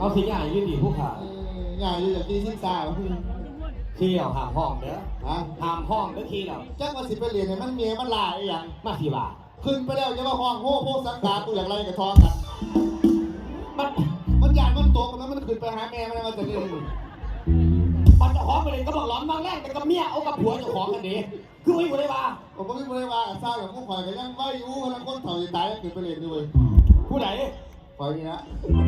สิใหญ่ยืดดีผู้ขาใหญ่อยู่อย่างที่ชิ้นตาขี้เราหามห้องเด้อหามห้องเด้อขี้เราจ้างมาสิไปเรียนเนี่ยมันเมียมันลายอย่างมาสิบ่าขึ้นไปแล้วจะมาห้องโห่โพสังกากูอย่างไรกับทองกันมันหยาดมันตกแล้วมันขึ้นไปหาแม่มันจะเรียนมันจะขอไปเลยก็บอกร้อนบางแรกแต่กับเมียเอากับผัวจะของกันดีคือไม่ได้ว่าผมไม่ได้ว่าทราบแบบผู้ข่อยก็ยังไม่รู้แล้วคนเถ่าตายแล้วขึ้นไปเรียนด้วยผู้ไหนข่อยนี่นะ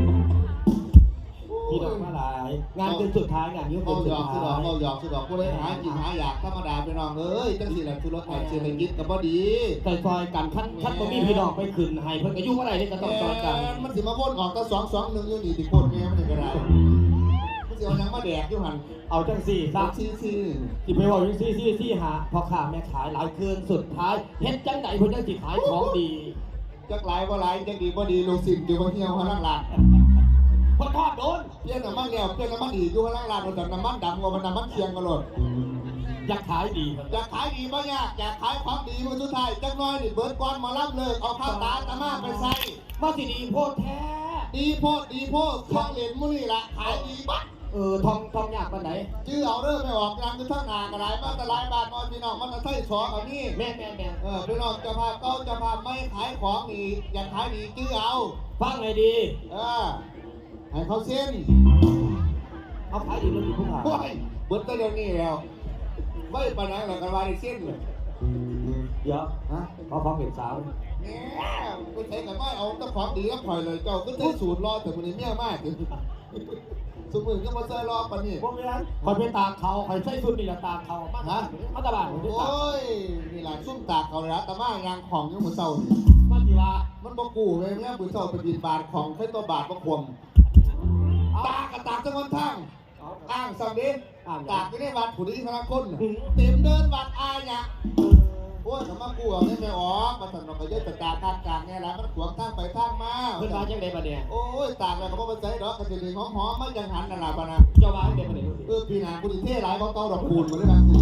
พี่ดอกมาหลายงานเป็นสุดท้ายงานนี้เป็นสุดท้ายเราหยอกสุดดอกผู้ใดหากินหาอยากธรรมดาไปน้องเอ้ยจังสิแหละคือรถไถเชียร์ในกิจกับพอดีแต่ซอยกันขั้นบ่มีพี่ดอกไปขึ้นให้เพิ่นก็ยุ่งอะไรนี่ก็ต้องซอยกันมันสิมาพ่นออกตั้ง2-1อยู่นี่ติโคตรแม่มันก็ได้มันสิเอายังมาแดกอยู่หั่นเอาจังสี่ซะซี่ที่ไปว่าจังซี่หาพอค้าแม่ขายหลายคืนสุดท้ายเฮ็ดจังไดเพิ่นจังสิขายของดีจักหลายบ่หลายจังดีบ่ดีลงสินอยู่บ่เหี่ยวหันหลังพอทอดโดนเปลี่ยนน้ำมันแล้วเปลี่ยนน้ำมันอีกอยู่ข้างล่างมันจากน้ำมันดำกว่ามันน้ำมันเคียงกันหมดอยากขายดีอยากขายดีบ่ยากอยากขายของดีมันสุดท้ายจักน้อยนี่เบิร์ดก้อนมารับเลยเอาข้าวตาตะมาไปใส่มาสิดีโพดแท้ดีโพดคลองเหรียญมื้อนี่ละขายดีบัดทองยากปานไหนชื่อเอาเริ่มไม่ออกกลางคือทั้งหน้ากระไรมาแต่หลายบาทนอนพี่น้องมันจะใส่สองเอานี่แม่พี่น้องจะพาเก้าจะพาไม่ขายของนี่อยากขายดีชื่อเอาฟังไงดีให้เขาเส้นเขาขายดีแล้วดีผู้ขายเบิร์ดตัวเดียวนี่แล้วไม่ปานนั้นหรอกกันว่าได้เส้นเลยเยอะเขาพร้อมเป็นสาวเนี่ยไปใช้กับว่าเอาตะของดีแล้วปล่อยเลยเจ้าก็ใช้สูตรรอแต่คนนี้เมี่ยมากสมุนก็มาใส่รอปนี่พวกนี้คอยไปตากเขาคอยใช้สุดนี่แหละตากเขามาตะบานโอ้ยนี่แหละซุ่มตากเขาเลยนะแต่ว่ายางของยังเหมือนเสามันดีว่ามันบกูเลยเนี่ยเหมือนเสาเป็นดินบาทของแค่ตัวบาทประควมตากกับตากจังหวัดทั้งอ้างสังเดชตากไม่ได้วัดผู้ดีพระคุณเต็มเดินวัดอายเนี่ยโอ้ยสมมากูเอาไม่ออกมาสั่งเราไปเยอะแต่ตากกลางเนี่ยแหละมันขวางทางไปทางมาเพื่อนมาจังเดบันเนี่ยโอ้ยตากแล้วก็ไม่ใช่ดอกกระดิ่งหอมไม่ยังหันนั่นแหละปะนะเจ้ามาเดบันเนี่ยปีหน้ากูดีเท่หลายเพราะเต้าดอกคูณมาเลยบางที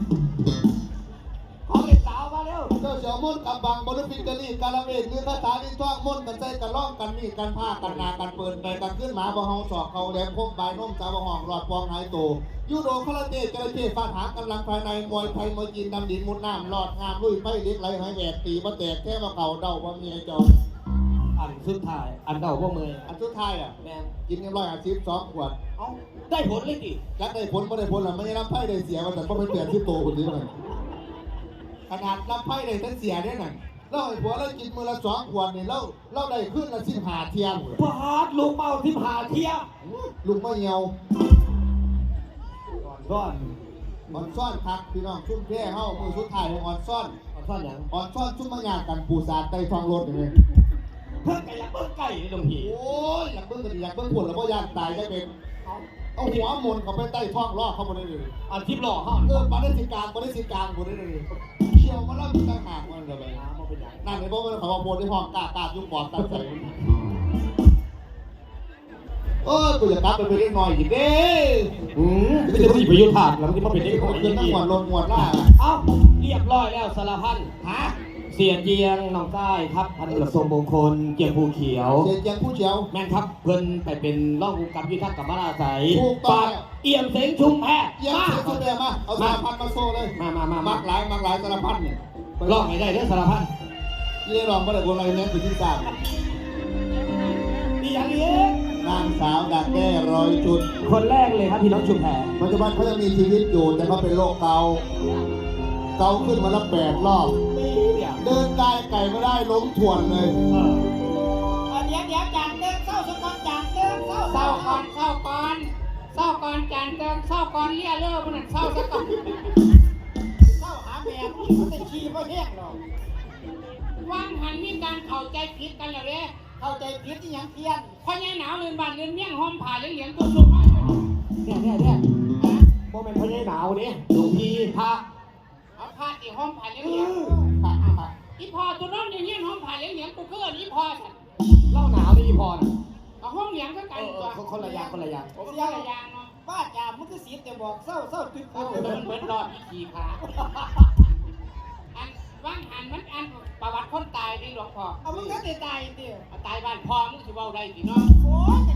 ขอเก็บสาวมาเร็วเจ้าเสี่ยวมุ่นกับบางบริฟิกกะลีกาลเวทคือคาถาที่ท่องมุ่นกันใจกันล่องกันมีกันผ้ากันนากันเปิดไปกันขึ้นหมาบ่เฮาสอกเขาแหลมพกใบน้มสาวห้องรอดปองหายโตยูโดคาราเต้จระเข้ฟาดหางกำลังภายในมวยไทยมวยจีนดำดินมุดน้ำหลอดงามลุยไฟเล็กไหลหายแหวกตีมาแตกแค่มาเก่าเดาว่ามีไอ้เจ้าอันสุดท้ายอันเก่าพวกมืออันสุดท้ายแม่กินกัน150 ขวดเอ้าได้ผลเลยดิยักได้ผลไม่ได้ผลหรอไม่ได้รับไพ่ได้เสียมาแต่ก็ไม่เปลี่ยนที่โตคนนี้เลยขนาดรับไพ่ได้ทั้งเสียได้หน่อยเราไอ้ผัวเรากินมือละ2 ขวดนี่เราได้ขึ้นละ15 เที่ยงพาดลูกเมา15 เที่ยงลูกไม่เหี่ยวซ่อนซ่อนคักพี่น้องชุ่มแพร่เฮามือสุดท้ายของอ่อนซ่อนอย่างอ่อนซ่อนชุ่มมะยางกันปูสาดไต่ทองรถอย่างนี้เพิ่งไก่อยากเบิ้งไก่ในตรงนี้โอ้ยอยากเบิ้งกันอยากเบิ้งผลแล้วก็ยางตายได้เป็นเอาหัวมนเขาไปใต้ท้องล่อเขาหมดเลยอันทิพย์ล่อเขาปาได้สิกลางหมดเลยเชี่ยวมาแล้วมีต่างหากมันเลยนั่นในพวกมันเขาบอกโมดที่ห้องกายุ่งบอดตั้งใจกูอยากกลับไปเล่นหน่อยอีกเด้ไม่ใช่ผู้หญิงประยุทธ์ขาดแล้วที่มาเป็นเด็กของยิ่งหมดลงหมดล่าเอ้าเรียบร้อยแล้วสารพันเสียเจียงน้องใต้ครับพันกระทรวงมงคลเจียงภูเขียวเจียงภูเขียวแม่นครับเพิ่นไปเป็นร่องผู้กำกับยุทธกับมาลาใสปาดเอี่ยมเสงชุมแพมาเอาสารพันมาโซ่เลยมักหลายสารพันเนี่ยร่องไหนได้เรื่องสารพันเยี่ยรองมาได้คนอะไรเนี่ยคือที่สามนี่อย่างนี้นางสาวดักแด้100 จุดคนแรกเลยครับพี่น้องชุมแพปัจจุบันเขายังมีชีวิตอยู่แต่เขาเป็นโรคเกาขึ้นมาละ8 รอบเดินไก่ไม่ได้ล้มถ่วนเลยเดี๋ยวจานเติมเศร้าสกอนจานเติมเศร้าก่อนจานเติมเศร้าก่อนเลี้ยเลิกมันเศร้าสกอนเศร้าหาแม่มันจะขี้เพราะแห้งหรอกว่างหันมีการเข้าใจผิดกันแล้วเลยเข้าใจผิดที่ยังเพี้ยนพอแย่หนาวเรือนบ้านเรือนเมี่ยงห้อมผ่าเหลียงตัวสุกเนี่ยโมเมนต์พอแย่หนาวเนี่ยหลวงพี่พระเอาผ้าอีห้องผ่านเลี้ยงอีพอตัวน้องอย่างเงี้ยห้องผ่านเลี้ยงกูเกิดอีพอสัตว์เล่าหนาวนี่อีพอน่ะเอาห้องเลี้ยงก็กันตัวคนละอย่างเนาะบ้าจ่ามันก็สีแต่บอกเศร้าจุดเหมือนรอดอีขี่ขาอันว่างหันมันอันประวัติคนตายในหลวงพ่อเอามึงก็ตายเดียวตายบ้านพ่อมึงสิเว้าได้สิเนาะโอ้ยจะจับแต่เขา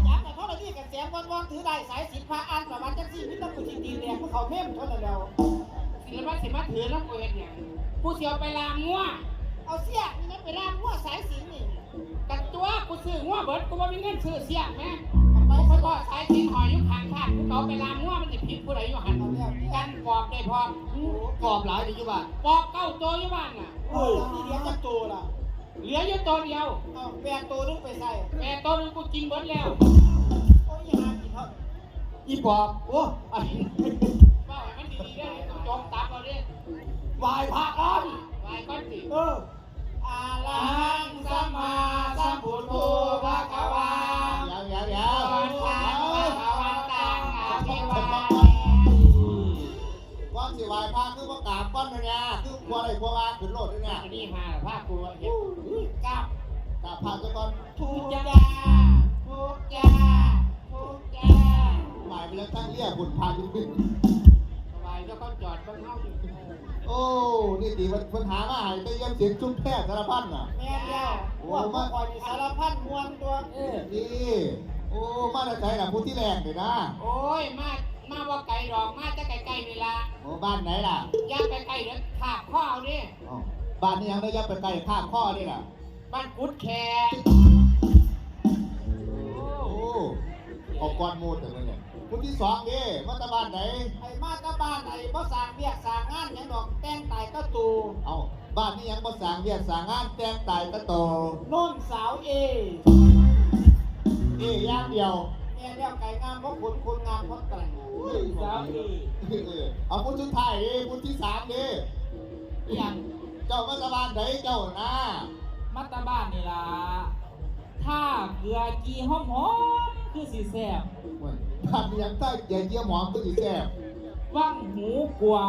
อันนี้กับแสงวันถือได้สายสินพาอ่านประวัติจังซี่มิตรกุจิตีแดงเขาเม่มเท่านั้นแล้วศิลปะสิมาถือแล้วเปิดเนี่ยกูเสียวไปลามงัวเอาเสียนี่ไปลามงัวสายสินนี่กันตัวกูซื้องัวเบิดกูว่ามีเงินซื้อเสียไหมไปเขาก็สายสินหอยอยู่ข้างทางกูเอาไปลามงัวมันจะผิดผู้ใดอยู่หันกันปอบได้พร้อมกรอบหลายดีอยู่บ้านปอบเก้าตัวอยู่บ้านน่ะนี่เหลือจักตัวล่ะเหลืออยู่ตัวเดียวแปดตัวนึงไปใส่แปดตัวนึงกูกินเบิดแล้วโอ้ยหากินเถอะอีปอบโอ้ไอ้ว่าให้มันดีๆได้กูจมตามเราดิวายพระกันวายก้อนสิอาลังสัมมาสัมพุทโธภะคะวาเดี๋ยววันตังภะคะวันตังอาภิวาเทก้อนสิวายพาคือว่ากราบก้อนเนี่ยคือครัวอะไรครัวมาขึ้นโลดด้วยเนี่ยอันนี้หาผ้ากูเห็นกับกราบพาซะก่อนทุกจ้าทุกจ้าทุกจ้าหมายไปแล้วตั้งเรียกบุญพาอยู่ขึ้นสบายแล้วก็จอดบ้านเฮาอยู่โอ้นี่ตีปัญหามาหายไปเยี่ยมเสียงจุ้มแพทย์สารพัดน่ะแม่เดียวพวกมาก่อนสารพัดมวลตัวนี่โอ้มาแต่ใจน่ะผู้ที่แรกเลยนะโอ้ยมาว่าไก่ดอกมาจะไก่ๆนี่ละโอ้บ้านไหนล่ะย่าไก่ๆเด้อขาบข้อเอาดิอ๋อบ้านนี้ยังได้ยับไปไกลข้ามข้อนี่ล่ะบ้านกุดแคโอ้ออกก้อนมูดแต่เลยเนี่ยผู้ที่สองดิมาตาบ้านไหนไอ้มาตาบ้านไอ้บ่สร้างเบียกสร้างงานหยังดอกแต่งตายก็ตูเอาบ้านนี้ยังบ่สร้างเวียดสร้างงานแต่งตายตะโตโน่นสาวเออย่างเดียวแม่เดียวไก่งามเพราะคุณงามเพราะแต่งสาวเอเอาผู้ชุดไทายดิผู้ที่สามดิอย่างเจ้ามาตาบ้านไหนเจ้านะมัตตาบ้านนี่ล่ะถ้าเกลือกีหอมๆคือสีแซ่บบ้านนี้ยังใต้ใหญ่เยี่ยมหอมตัวอีแซ่บว่างหูกวาง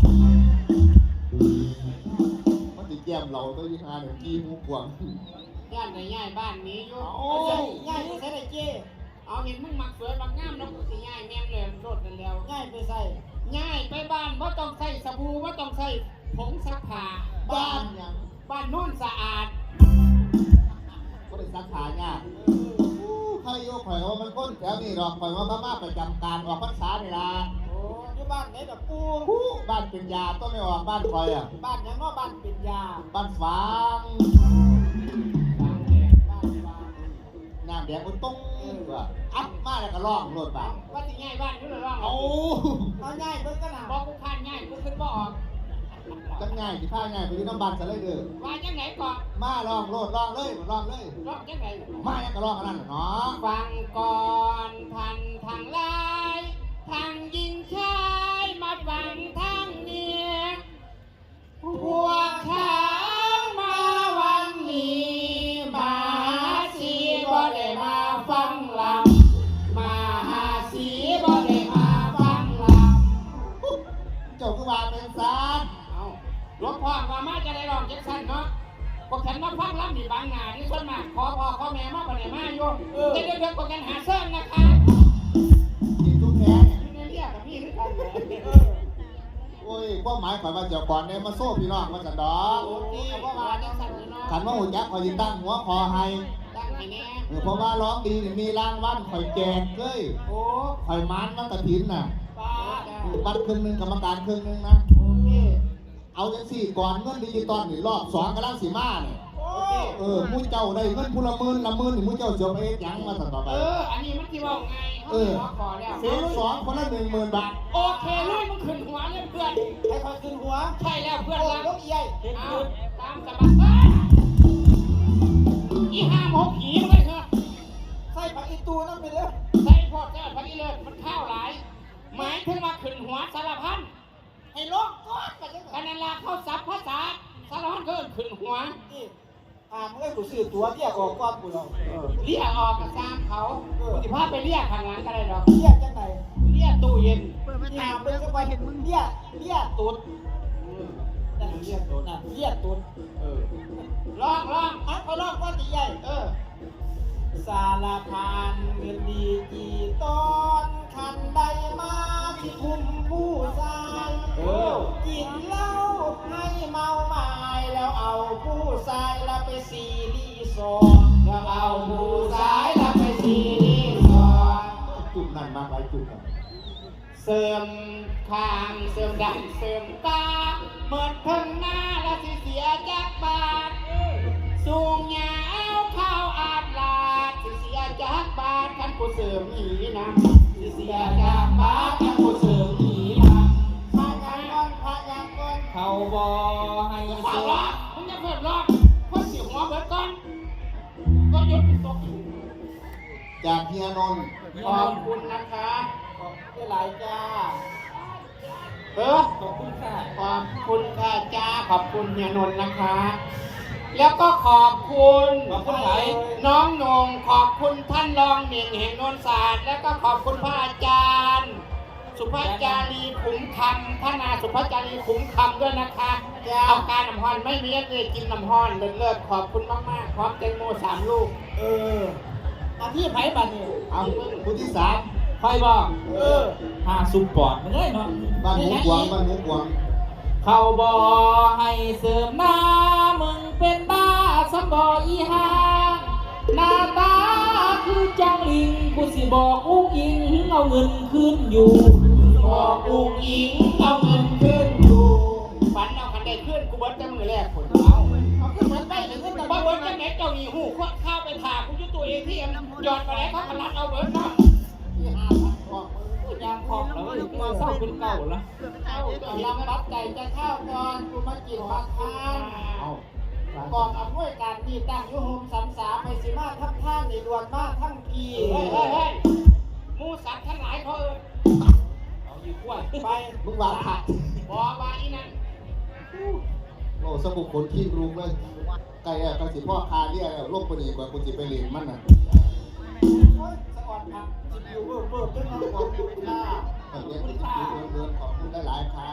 มันติดแก้มเราตัวยี่ห้าเนี่ยกี้มูกวางย่านไหนย่ายบ้านนี้อยู่โอ้ย่ายไปใส่ได้เจ้เอาเห็นมึงมักสวยมักงามแล้วกูสิย่ายแม่มเลยโลดนั่นแล้วย่ายไปใส่ย่ายไปบ้านบ่ต้องใส่สบู่บ่ต้องใส่ผงซักผ้าบ้านยังบ้านโน่นสะอาดก็ได้สักขาเนี่ยใครโยกข่อยว่ามันก้นแถวนี้หรอกข่อยว่าพม่าประจำการออกพรรษานี่ล่ะโอ้อยู่บ้านไหนดอกปูบ้านเป็นยาต้องไม่ออกบ้านข่อยอ่ะบ้านยังว่าบ้านเป็นยาบ้านฟางบ้านแดงบ้านฟางน้ำแดงมันต้องว่าอัพมาแล้วก็ร้องโลดไปว่าสิง่ายบ้านอยู่หรือว่าเอาเอาง่ายเพิ่นก็น่ะบอกกูคานง่ายกูขึ้นบ่ออกจังง่ายสิพาง่ายไปอยู่น้ำบันซะเลยเด้อว่าจังไหนก่อนมาร้องโลดร้องเลยร้องเลยร้องจังไหนมาแล้วก็ร้องกันนั่นน่ะเนาะฟังก่อนทันทางลายทางยิงชายมาฟังทางเนียพวกเขามาวันนี้มาสีบ่ได้มาฟังลำมาหาสีบ่ได้มาฟังลำเจ้าคือว่าเป็นซานเอาหลวงพ่อว่ามาจะได้ร้องจังซั่นเนาะพวกฉันมาฟังลำนี่บางหน้านี่ส่วนมากขอพ่อขอแม่มาบ่ได้มาอยู่เดี๋ยวๆๆพวกกันหาเสริมนะคะกินทุกแท้เนี่ยอยู่ในเรียกกับพี่คือกันแหละโอ้ยความหมายข่อยว่าเจ้าก่อนเนี่ยมาโซ่พี่น้องมาจันดอกโอ้ดีเพราะว่าจังซั่นนี่เนาะขันว่าหุ่นยักษ์ข่อยยิตั้งหัวคอให้ตั้งให้แน่เพราะว่าร้องดีนี่มีรางวัลข่อยแจกเลยโอ้ข่อยมันมันกระถินน่ะป้าบัตรครึ่งหนึงกรรมการครึ่งหนึงนะโอเคเอาจังสี่ก่อนเงินดิจิตอลนี่รอบสองกำลังสีมาเนี่ยโอ้มูเจ้าได้เงินพูละหมื่นนี่มูเจ้าเสียไปเฮ็ดหยังมาสั่นต่อไปอันนี้มันสิเว้าไงเฮาขอขอแล้วเฟสสองคนละ10,000 บาทโอเคลุยมึงขึ้นหัวเลยเพื่อนให้คอยขึ้นหัวใช่แล้วเพื่อนรักลูกใหญ่เอาตามสบายอีห้าหกหีเลยเถอะใส่ผักอีตูนั่นไปเลยใส่พอดใส่ผักอีเลิศมันข้าวหลายหมายถึงว่าขึ้นหัวสารพันให้ลงก้อนไปกันนั่นละเข้าซับภาษาสารพันเกินขึ้นหัวมึงให้กูซื้อตัวเรียกออกก้อนกูหรอกเรียกออกกับตามเขากูจะพาไปเรียกข้างหลังก็ได้หรอกเรียกจังไหนเรียกตู้เย็นถามเป็นจังหวะเห็นมึงเรียกตุ๊ดนั่นเรียกตุ๊ดน่ะเรียกตุ๊ดลองเขาลองว่าตีใหญ่สารพันเงินดีกี่ตอนคันใดมาที่คุมผู้ชายกินเหล้าให้เมาหมายแล้วเอาผู้ชายละไปซีรีสอร์ทแล้วเอาผู้ชายละไปซีรีสอร์ทมากหลายจุดเสริมข้างเสริมดังเสริมตาเมื่อถึงหน้าแล้วสิเสียจากบาทสูงยาวเข้าอาดลาดสิเสียจากบาทคันกูเสริมอีนะสิเสียจากบาทคันกูเสริมอีนะพายางก้อนเขาบอให้พาเสืยางอก้อนมึงจะเพิ่มรอบคนสิหัวเบิดก่อนก็หยุดตกจากเฮียนนท์ขอบคุณนะคะขอบคุณหลายจ้าขอบคุณค่ะขอบคุณค่ะจ้าขอบคุณเฮียนนท์นะคะ แล้วก็ขอบคุณขอบคุณไหนน้องนงขอบคุณท่านรองเหน่งแห่งโนนศาสตร์แล้วก็ขอบคุณพระอาจารย์ สุภาจารีขุมคำพระนาสุภาจารีขุมคำด้วยนะคะเอาการน้ำฮอนไม่มีเลยกินน้ำฮอนเลิศขอบคุณมากๆพร้อมแตงโม3 ลูกอาที่ไผ่บัตรนี่เอาคนที่ 3 ใครบอกหาซุปปอดมาเลยเนาะบ้านหมูกวางบ้านหมูกวางเขาบอให้เสริมหน้ามึงเป็นบ้าสมบออีหาหน้าตาคือจังลิงกูสิบอกอุ้งอิงเอาเงินคืนอยู่บอกอุงอิงเอาเงินขึ้นอยู่ฝันเอาคันได้ขึ้นกูเบิร์ดจะมือแรกคนเอาขึ้นเหมือนไปถึงขึ้นแต่ว่าเบิร์ดจะไหนเจ้าหนีหูข้าวไปถ่ากูยุตัวเองที่ยอดไปไหนเขากระลัดเอาเบิร์ดเนาะที่5,000บอกยามคองแล้วมาเศร้าเป็นเก่าแล้วเอาลำบัดใจจะเข้าก่อนกูมากินผักทานเอากองอำนวยการนี่ตั้งอยู่โฮมสัมสาไปสิมาทับท่านในดวนมาทั้งปีเฮ้ยมูสัตว์ทั้งหลายเขาเอาอยู่กล้วยไปมึงวางผักบอกว่าอีนั่นโอ้สมุกคนขี้รุงเลยไก่อะกระสิพ่อคาเรียกโรคปนีกว่ากูจิไปเรียนมันน่ะโอ้ยสะอ่อนครับจิบอยู่เบิ่มขึ้นมาบอกคุณค่าเรียนที่เดินขอบคุณได้หลายค่ะ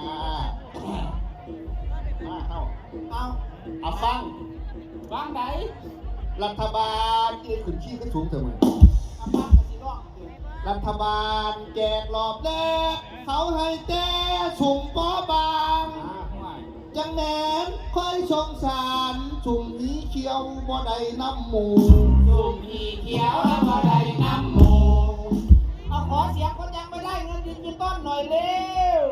มาเข้าเอาเอาฟังวางไหนรัฐบาลที่ขึ้นขี้ขึ้นสูงเถอะมึงเอาบ้านกสิร้องรัฐบาลแจกรอบแรกเขาให้แจ้สุ่มปอบางห่วยจังแหนนค่อยสงสารสุ่มนี้เขียวบ่ได้น้ำหมูจุ่มอีเขียวแล้วก็ได้น้ำหมูเอาขอเสียงคนยังไม่ได้เงินดิจิตอลหน่อยเร็ว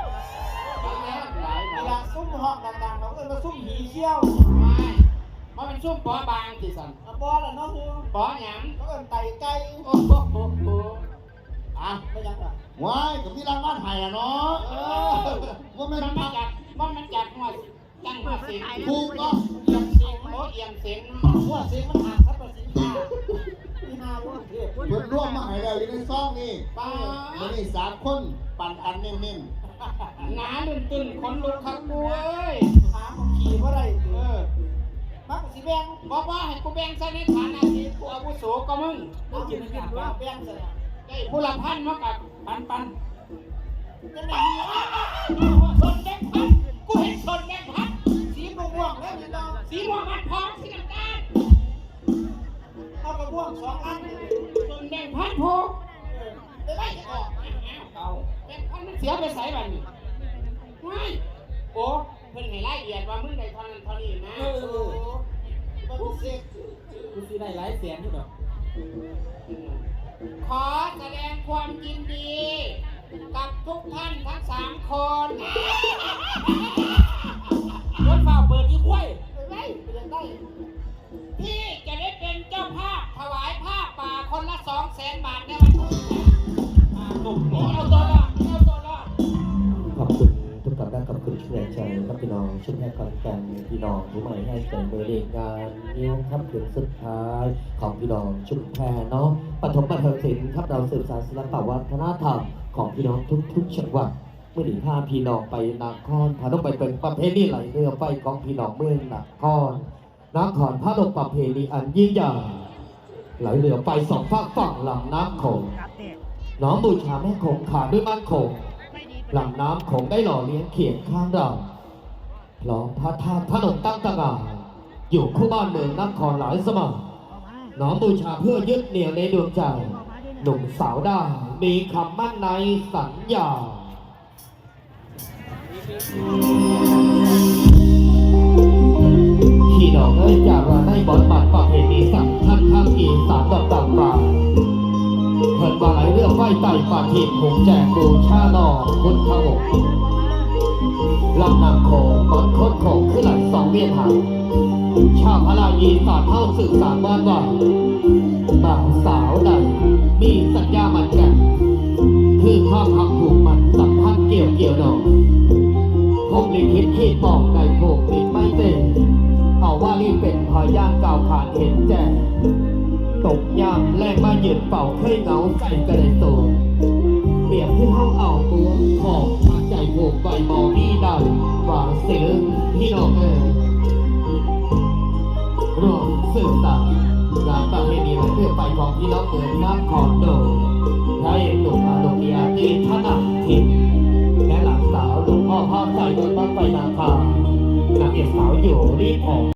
เวลาซุ่มห้องดังๆเราก็มาซุ่มหีเขี้ยวมันเป็นซุ่มปอบางสิสันปอละเนาะปอหยังเขาเอิ้นไตไก่โอ้โหอ่ะไม่ยังอ่ะว้ายกับพี่รางวัลไห้อะเนาะว่าไม่มันพักจัดหัวจังหัวเสียงถูกก็เอียงเสียงโอ้เอียงเสียงหัวเสียงมันหักครับประสิทธิ์ที่นาลูกเทพเพิ่นร่วมมาให้เราอยู่ในซองนี่ป้าวันนี้3 คนปั่นกันเน้นหนาตึงคนลุกขังกูเอ้ยหาของขี่เพราะไรมักสิแบงบอกว่าให้กูแบงใส่ในฐานะที่กูอาวุโสก็มึงเอาจิตวิญญาณว่าแบงใส่ไอ้ผู้ละพันมากับปันจะไหนชนแบงพันกูเห็นชนแบงพันสีม่วงแล้วพี่น้องสีม่วงมันพร้อมสีน้ำตาลเอากระม่วง2 อันชนแบงพันโพไปไล่ออกเอาแบงพันมันเสียไปใส่บันนี่ไม่โอ้เพิ่นให้รายละเอียดว่ามึงได้เท่านั้นเท่านี้นะมันเสียกูสิได้หลายแสนอยู่ดอกขอแสดงความยินดี กับทุกท่านทั้ง3 คนรถเฝ้าเปิดอีกล้วยได้ที่จะได้เป็นเจ้าภาพถวายผ้าป่าคนละ200,000 บาทในวันนี้ตุ่มเอาตัวรอดเอาตัวรอดขอบคุณทุกท่านและขอบคุณช่วยใจครับพี่น้องชุดแรกก่อนกันพี่น้องผู้ใหม่ให้เสริมบริการนิ้วครับถึงสุดท้ายของพี่น้องชุมแพเนาะปฐมบันเทิงศิลป์ครับเราสืบสานศิลปวัฒนธรรมของพี่น้องทุกๆจังหวัดเมื่อหนีพาพี่น้องไปนครพาต้องไปเป็นประเพณีไหลเรือไฟของพี่น้องเมืองนครพาดกประเพณีอันยิ่งใหญ่ไหลเรือไฟ2 ฝั่งลำน้ำโขงน้อมบูชาแม่คงขาด้วยมั่นคงลำน้ำโขงได้หล่อเลี้ยงเขียนข้างเราพร้อมพระธาตุพนมตั้งตระหง่านอยู่คู่บ้านเมืองนครหลายสมัยน้อมบูชาเพื่อยึดเหนี่ยวในดวงใจหนุ่มสาวได้มีคำมั่นในสัญญาพี่น้องเอ้ยจากว่าได้บทบาทประเพณีสำคัญทางอีสานดอกต่างๆเพิ่นว่าไหลเรื่องไฟม้ไต่ปาทิพย์หงแจกบูชาหนอพุทธองค์ลำนำโขงบนโคตรโขงขึ้นไหลสองเวียนหางชาวพลายีสอนเท่าสื่อสารว่าก่อนบ่าวสาวใดมีสัญญามันกันคือความหักผูกมันสัมพันธ์เกี่ยวหนอพงลิขิตขีดบอกในโบกติดไม่เต็มเอาว่ารีบเป็นพยานกล่าวขานเห็นแจ้งตกยามแรงมายืนเป่าเคยเหงาใจกระไดโตเปรียบที่ห้องเอาตัวของมาใจโบกใบมอนี่ได้หวางเสียงพี่น้องรวมสื่อสารงานประเพณีและเพื่อไปของพี่น้องเมืองน้ำขอนโดพระเอกหนุ่มอาโลกีอาตีธนาทิพย์และหลานสาวหลวงพ่อภาพใจบนบ้านไฟนาคานางเอกสาวอยู่รีบออก